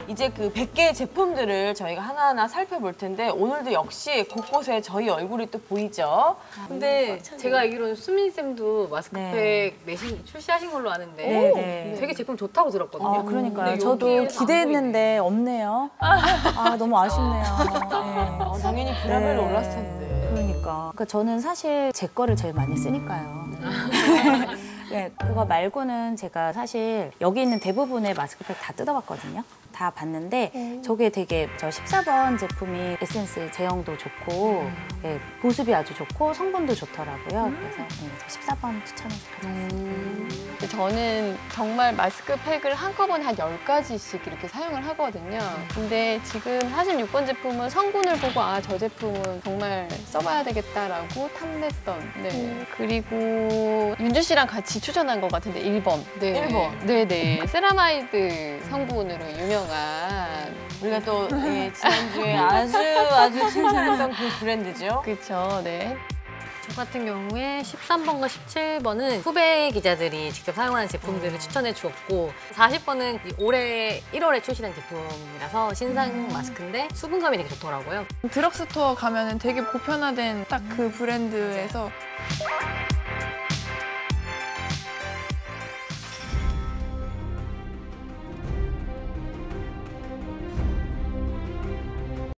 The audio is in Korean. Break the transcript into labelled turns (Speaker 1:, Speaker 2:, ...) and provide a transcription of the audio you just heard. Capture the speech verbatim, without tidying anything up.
Speaker 1: 이제 그 백 개의 제품들을 저희가 하나하나 살펴볼 텐데 오늘도 역시 곳곳에 저희 얼굴이 또 보이죠.
Speaker 2: 근데 제가 알기로는 수민쌤도 마스크팩
Speaker 3: 네.
Speaker 2: 내신 출시하신 걸로 아는데
Speaker 3: 네, 네.
Speaker 2: 되게 제품 좋다고 들었거든요.
Speaker 3: 아, 그러니까요.
Speaker 2: 근데
Speaker 3: 저도
Speaker 2: 여기에는
Speaker 3: 기대했는데 없네요. 아, 너무 아쉽네요. 네.
Speaker 1: 어, 당연히 브라벨
Speaker 3: 네.
Speaker 1: 올랐을 텐데.
Speaker 3: 그러니까. 그러니까 저는 사실 제 거를 제일 많이 쓰니까요. 네, 그거 말고는 제가 사실 여기 있는 대부분의 마스크팩 다 뜯어봤거든요. 다 봤는데 저게 되게 저 십사 번 제품이 에센스 제형도 좋고 네, 보습이 아주 좋고 성분도 좋더라고요. 그래서 네, 십사 번 추천을 드렸습니다.
Speaker 4: 저는 정말 마스크팩을 한꺼번에 한 열 가지씩 이렇게 사용을 하거든요. 근데 지금 사십육 번 제품은 성분을 보고 아, 저 제품은 정말 써봐야 되겠다라고 탐냈던. 네. 그리고 윤주 씨랑 같이 추천한 것 같은데 일 번. 네.
Speaker 1: 일 번.
Speaker 4: 네네. 세라마이드 성분으로 유명한.
Speaker 1: 우리가 또 예, 지난주에 아주 아주 칭찬했던 그 브랜드죠.
Speaker 4: 그쵸, 네.
Speaker 2: 저 같은 경우에 십삼 번과 십칠 번은 후배 기자들이 직접 사용하는 제품들을 추천해 주었고 사십 번은 올해 일월에 출시된 제품이라서 신상 마스크인데 수분감이 되게 좋더라고요.
Speaker 5: 드럭스토어 가면은 되게 보편화된 딱 그 브랜드에서